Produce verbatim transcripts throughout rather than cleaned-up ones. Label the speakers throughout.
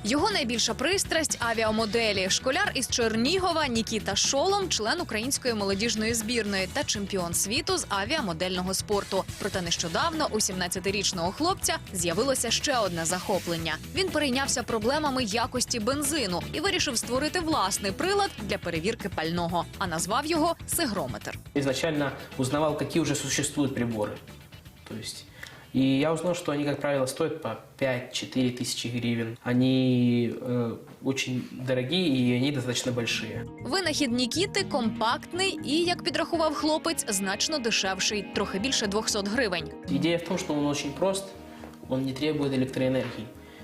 Speaker 1: Його найбільша пристрасть – авіамоделі. Школяр із Чернігова Нікіта Шолом – член української молодіжної збірної та чемпіон світу з авіамодельного спорту. Проте нещодавно у сімнадцятирічного хлопця з'явилося ще одне захоплення. Він перейнявся проблемами якості бензину і вирішив створити власний прилад для перевірки пального, а назвав його «Сигрометр».
Speaker 2: Изначально узнавал, какие уже существуют приборы. То есть, и я узнал, что они, как правило, стоят по пять-четыре тысячи гривен. Они э, очень дорогие и они достаточно большие.
Speaker 1: Винахід Нікіти компактний і, як підрахував хлопець, значно дешевший – трохи більше двохсот гривень.
Speaker 2: Идея в том, что он очень прост, он не требует электроэнергии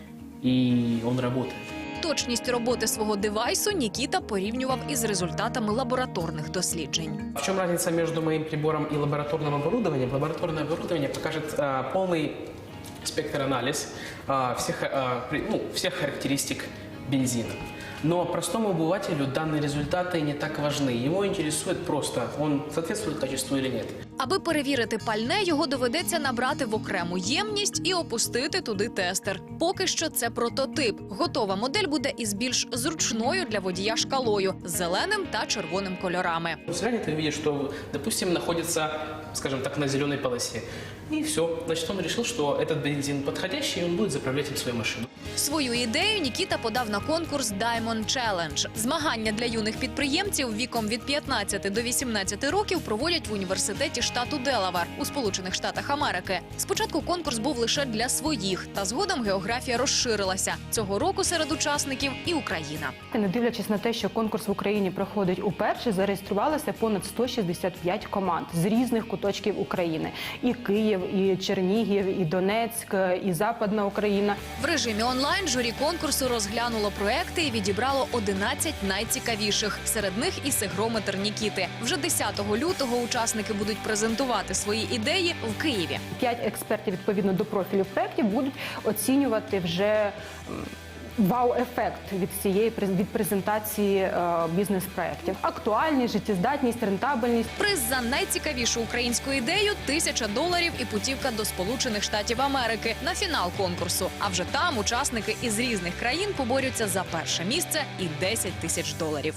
Speaker 2: и он работает.
Speaker 1: Точність роботи свого девайсу Нікіта порівнював із результатами лабораторних досліджень.
Speaker 2: В чем разница между моим прибором и лабораторным оборудованием? Лабораторное оборудование покажет а, полный спектр-анализ а, всех, а, при, ну, всех характеристик бензина. Но простому обывателю данные результаты не так важны. Его интересует просто, он соответствует качеству или нет.
Speaker 1: Аби перевірити пальне, його доведеться набрати в окрему ємність і опустити туди тестер. Поки що це прототип. Готова модель буде із більш зручною для водія шкалою – з зеленим та червоним кольорами.
Speaker 2: Взгляни, ты видишь, что, допустим, находится, скажем так, на зеленой полосе. И все. Значит, он решил, что этот бензин подходящий, и он будет заправлять им свою машину.
Speaker 1: Свою ідею Нікіта подав на конкурс Diamond Challenge. Змагання для юних підприємців віком від п'ятнадцяти до вісімнадцяти років проводять в університеті штату Делавар у Сполучених Штатах Америки. Спочатку конкурс був лише для своїх, та згодом географія розширилася. Цього року серед учасників і Україна.
Speaker 3: Не дивлячись на те, що конкурс в Україні проходить уперше, зареєструвалося понад сто шістдесят п'ять команд з різних куточків України. І Київ, і Чернігів, і Донецьк, і Западна Україна.
Speaker 1: В режимі онлайн журі конкурсу розглянуло проекти і відібрало одинадцять найцікавіших. Серед них і сигрометр Нікіти. Вже десятого лютого учасники будуть презентувати свої ідеї в Києві.
Speaker 3: П'ять експертів відповідно до профілю проєктів будуть оцінювати вже вау-ефект від цієї від презентації е, бізнес-проєктів. Актуальність, життєздатність, рентабельність.
Speaker 1: Приз за найцікавішу українську ідею – тисяча доларів і путівка до Сполучених Штатів Америки на фінал конкурсу. А вже там учасники із різних країн поборються за перше місце і десять тисяч доларів.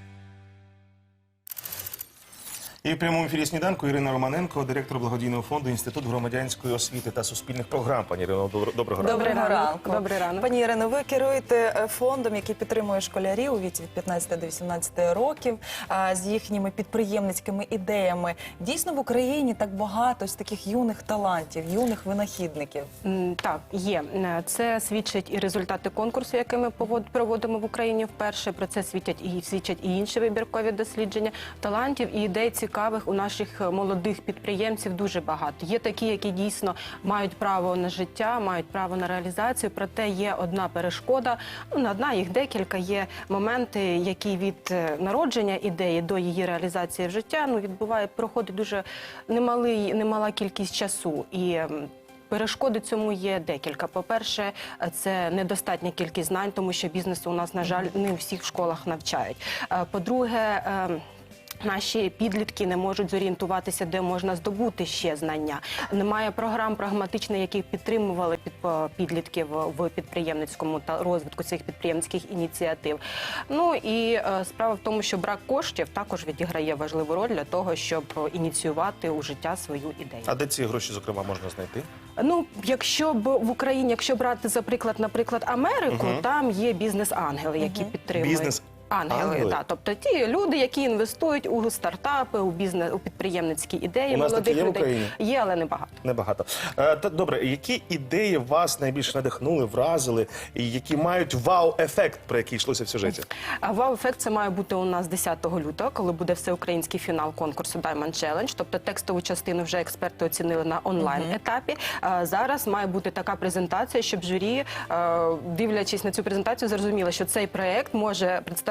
Speaker 4: І в прямому ефірі «Сніданку» Ірина Романенко, директор благодійного фонду «Інститут громадянської освіти та суспільних програм». Пані Ірино, доброго ранку.
Speaker 5: Доброго ранку.
Speaker 3: Добрий ранок.
Speaker 5: Пані Ірино, ви керуєте фондом, який підтримує школярів у віці від п'ятнадцяти до вісімнадцяти років з їхніми підприємницькими ідеями. Дійсно, в Україні так багато з таких юних талантів, юних винахідників.
Speaker 3: Так, є. Це свідчать і результати конкурсу, який ми проводимо в Україні вперше. Про це свідчать і, свідчать і інші вибіркові дослідження. Талантів і ідей цікавих у наших молодих підприємців дуже багато. Є такі, які дійсно мають право на життя, мають право на реалізацію, проте є одна перешкода, ну, одна, їх декілька, є моменти, які від народження ідеї до її реалізації в життя, ну, відбуває, проходить дуже немалий, немала кількість часу. І перешкоди цьому є декілька. По-перше, це недостатня кількість знань, тому що бізнесу у нас, на жаль, не у всіх школах навчають. По-друге, наші підлітки не можуть зорієнтуватися, де можна здобути ще знання. Немає програм прагматичних, які підтримували підлітків в підприємницькому та розвитку цих підприємницьких ініціатив. Ну і е, справа в тому, що брак коштів також відіграє важливу роль для того, щоб ініціювати у життя свою ідею.
Speaker 4: А де ці гроші, зокрема, можна знайти?
Speaker 3: Ну, якщо б в Україні, якщо брати, за приклад, наприклад, Америку, угу. там є бізнес-ангели, які угу. підтримують.
Speaker 4: Бізнес
Speaker 3: Ангели, Ангели. Так, тобто ті люди, які інвестують у стартапи, у бізнес, у підприємницькі ідеї.
Speaker 4: У нас
Speaker 3: молодих
Speaker 4: такі є
Speaker 3: людей.
Speaker 4: В Україні?
Speaker 3: Є, але небагато.
Speaker 4: Небагато. Е, та, добре, які ідеї вас найбільше надихнули, вразили, і які мають вау-ефект, про який йшлося в сюжеті?
Speaker 3: Вау-ефект це має бути у нас десятого лютого, коли буде всеукраїнський фінал конкурсу Diamond Challenge. Тобто текстову частину вже експерти оцінили на онлайн-етапі. Uh-huh. Зараз має бути така презентація, щоб журі, дивлячись на цю презентацію, зрозуміло, що цей проєкт може представляти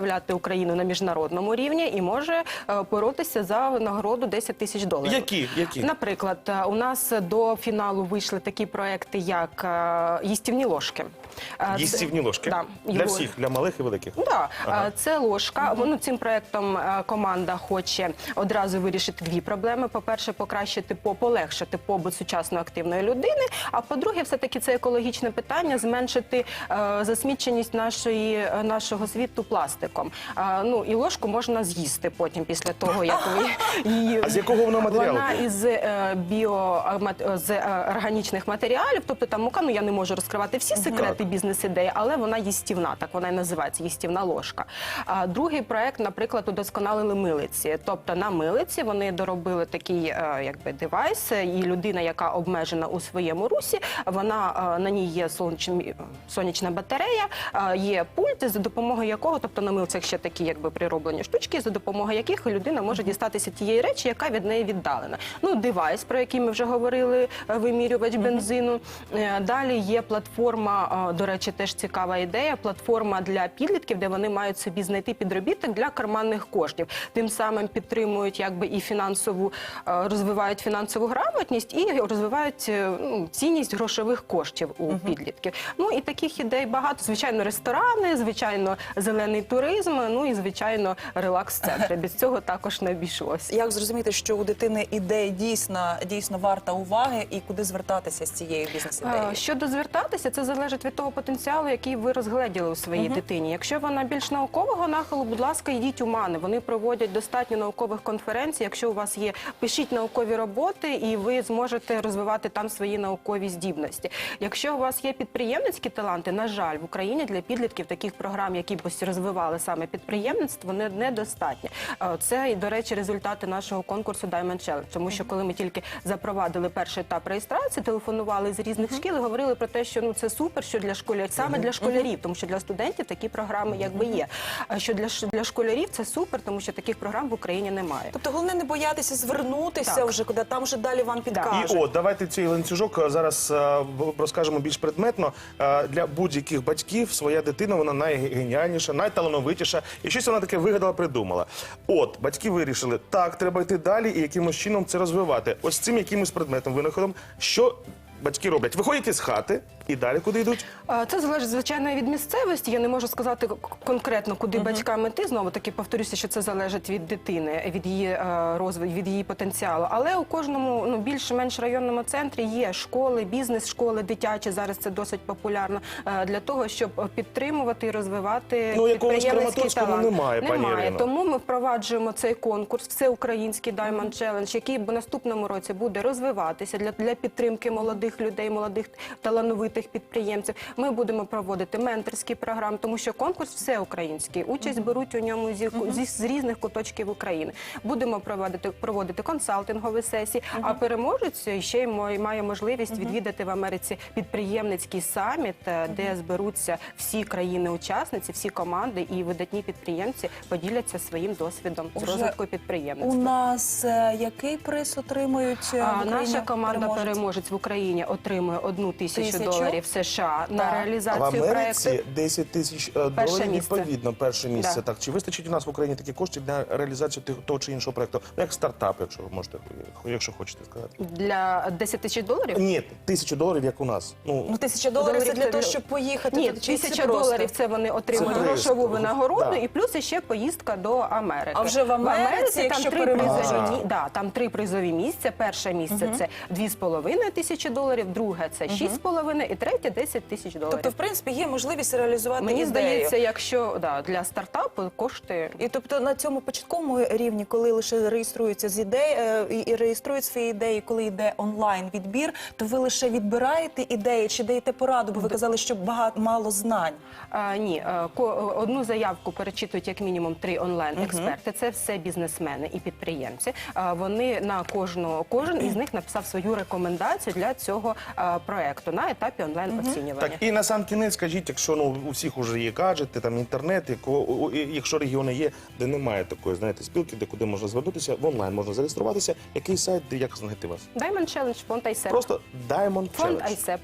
Speaker 3: представляти Україну на міжнародному рівні і може е, боротися за нагороду десять тисяч доларів.
Speaker 4: Які? Які?
Speaker 3: Наприклад, е, у нас до фіналу вийшли такі проекти, як е, їстівні ложки. Е, це-
Speaker 4: Їстівні ложки?
Speaker 3: Да.
Speaker 4: Для
Speaker 3: Його-
Speaker 4: всіх, для малих і великих?
Speaker 3: Да,
Speaker 4: Ага.
Speaker 3: е, це ложка. Ну, цим проектом е, команда хоче одразу вирішити дві проблеми. По-перше, покращити, по- полегшити побут сучасної активної людини. А по-друге, все-таки це екологічне питання, зменшити е, засміченість нашої, е, нашого світу пластиком. Е, ну, і ложку можна з'їсти потім, після того, як ви її...
Speaker 4: А з якого вона матеріалу?
Speaker 3: Вона із е, біо, е, мат- з е, органічних матеріалів, тобто там мука, ну я не можу розкривати всі секрети бізнес-ідеї, але вона їстівна, так вона і називається, їстівна ложка. А другий проект, наприклад, удосконалили милиці. Тобто на милиці вони доробили такий е, якби девайс, і людина, яка обмежена у своєму русі, вона е, на ній є сонячна, сонячна батарея, е, є пульт, за допомогою якого, тобто на милицях ще такі якби прироблені штучки, за допомогою яких людина може дістатися тієї речі, яка від неї віддалена. Ну, девайс, про який ми вже говорили, е, вимірювач бензину. Е, Далі є платформа, е, до речі, теж цікава ідея, платформа для підлітків, де вони мають собі знайти підробіток для карманних коштів. Тим самим підтримують якби і фінансову, е, розвивають фінансову грамотність і розвивають е, ну, цінність грошових коштів у підлітків. Ну і таких ідей багато. Звичайно, ресторани, звичайно, зелений туризм, ну і звичайно, релакс-центри. Без цього також не обійшлося.
Speaker 5: Як зрозуміти, що у дитини ідея дійсно, дійсно варта уваги і куди звертатися з цією бізнес-ідеєю?
Speaker 3: Е, Щодо звертатися, це залежить від того потенціалу, який ви розгледіли у своїй дитині. Якщо вона більш наукового нахилу, будь ласка, йдіть у МАНи. Вони проводять достатньо наукових конференцій. Якщо у вас є, пишіть наукові роботи, і ви зможете розвивати там свої наукові здібності. Якщо у вас є підприємницькі таланти, на жаль, в Україні для підлітків таких програм, які б розвивали саме підприємництво, не недостатньо. Е, Це, до речі, результати нашого конкурсу Diamond Challenge. Тому що коли ми тільки запровадили перший етап реєстрації, телефонували з різних шкіл і говорили про те, що ну це супер, що для школярів, саме для школярів, тому що для студентів такі програми якби є. А що для ш- для школярів це супер, тому що таких програм в Україні немає.
Speaker 5: Тобто головне не боятися звернутися
Speaker 3: Так.
Speaker 5: вже, куди там вже далі вам підкажуть.
Speaker 4: І от, давайте цей ланцюжок е, зараз е, в- розкажемо більш предметно. Е, Для будь-яких батьків своя дитина, вона найгеніальніша, найталановитіша. І щось вона таке вигадала, придумала. От, батьки вирішили, так, треба йти далі і якимось чином це розвивати. Ось цим якимось предметом, винаходом, що батьки роблять? Виходять із хати і далі куди йдуть?
Speaker 3: А, Це залежить, звичайно, від місцевості. Я не можу сказати к- конкретно, куди батькам іти. Знову таки повторюся, що це залежить від дитини, від її е, розвитку, від її потенціалу. Але у кожному, ну, більш-менш районному центрі є школи, бізнес-школи, дитячі. Зараз це досить популярно е, для того, щоб підтримувати і розвивати
Speaker 4: Ну, якогось
Speaker 3: підприємницький
Speaker 4: Краматорського
Speaker 3: талант.
Speaker 4: немає, пані
Speaker 3: Немає.
Speaker 4: Ірино.
Speaker 3: Тому ми впроваджуємо цей конкурс, всеукраїнський Diamond Challenge, який в наступному році буде розвиватися для, для підтримки молодих людей, молодих талановитих підприємців. Ми будемо проводити менторські програми, тому що конкурс всеукраїнський. Участь беруть у ньому зі, зі, з різних куточків України. Будемо проводити, проводити консалтингові сесії, а переможець ще й мо- має можливість відвідати в Америці підприємницький саміт, е, де зберуться всі країни-учасниці, всі команди і видатні підприємці поділяться своїм досвідом з
Speaker 5: Уже
Speaker 3: розвитку
Speaker 5: У
Speaker 3: підприємництва.
Speaker 5: нас е, який приз отримують е, в
Speaker 3: А,
Speaker 5: Україні
Speaker 3: наша команда
Speaker 5: переможці?
Speaker 3: переможець в Україні отримує одну тисячу
Speaker 5: Тисячу?
Speaker 3: доларів США на
Speaker 5: Так.
Speaker 4: А в
Speaker 3: реалізацію
Speaker 4: Америці
Speaker 3: проекту.
Speaker 4: десять тисяч е,
Speaker 3: Перше
Speaker 4: доларів,
Speaker 3: місце.
Speaker 4: відповідно, перше місце.
Speaker 3: Да.
Speaker 4: Так, чи вистачить у нас в Україні такі кошти для реалізації тих- того чи іншого проекту? Ну, як стартап, якщо ви можете, якщо хочете сказати.
Speaker 3: Для десять тисяч доларів?
Speaker 4: Ні, тисячу доларів, як у нас. Ну,
Speaker 5: Ну, тисяча доларів це
Speaker 3: Доларів
Speaker 5: для
Speaker 3: це
Speaker 5: того,
Speaker 3: для-
Speaker 5: щоб поїхати
Speaker 3: Ні,
Speaker 5: туди, чи це
Speaker 3: тисяча
Speaker 5: просто?
Speaker 3: доларів це вони отримують
Speaker 4: Це
Speaker 3: грошову
Speaker 4: приз.
Speaker 3: винагороду,
Speaker 4: Да.
Speaker 3: і плюс ще поїздка до Америки.
Speaker 5: А вже в Америці, якщо
Speaker 3: там три
Speaker 5: переможеш?
Speaker 3: призові,
Speaker 4: А.
Speaker 3: мі- да, там три призові місця. Перше місце це дві з половиною тисячі доларів, друге це шість з половиною і третє десять тисяч доларів.
Speaker 5: Тобто, в принципі, є можливість реалізувати
Speaker 3: Мені
Speaker 5: ідею.
Speaker 3: здається, якщо да, для стартапу кошти.
Speaker 5: І тобто на цьому початковому рівні, коли лише реєструються з ідей е, і, і реєструють свої ідеї, коли йде онлайн відбір, то ви лише відбираєте ідеї чи даєте пораду, бо ви казали, що багато мало знань.
Speaker 3: А, ні, е, ко- одну заявку перечитують як мінімум три онлайн-експерти. Це все бізнесмени і підприємці. А, вони на кожного, кожен із них написав свою рекомендацію для цього а, проекту на етапі онлайн-оцінювання.
Speaker 4: так, і на сам кінець скажіть, якщо ну, у всіх вже є гаджети, там інтернет, яко, у- і- якщо регіони є, де немає такої, знаєте, спілки, де куди можна звернутися, в онлайн можна зареєструватися, який сайт, де як знайти вас?
Speaker 3: Diamond Challenge, фонд Айсеп.
Speaker 4: Просто Diamond
Speaker 3: Фонд
Speaker 4: Challenge.
Speaker 3: Айсеп.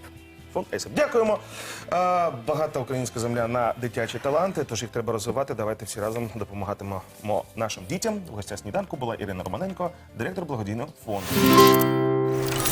Speaker 4: Фонд ЕСАП. Дякуємо. Е, Багата українська земля на дитячі таланти, тож їх треба розвивати. Давайте всі разом допомагатимемо нашим дітям. У гостях сніданку була Ірина Романенко, директор благодійного фонду.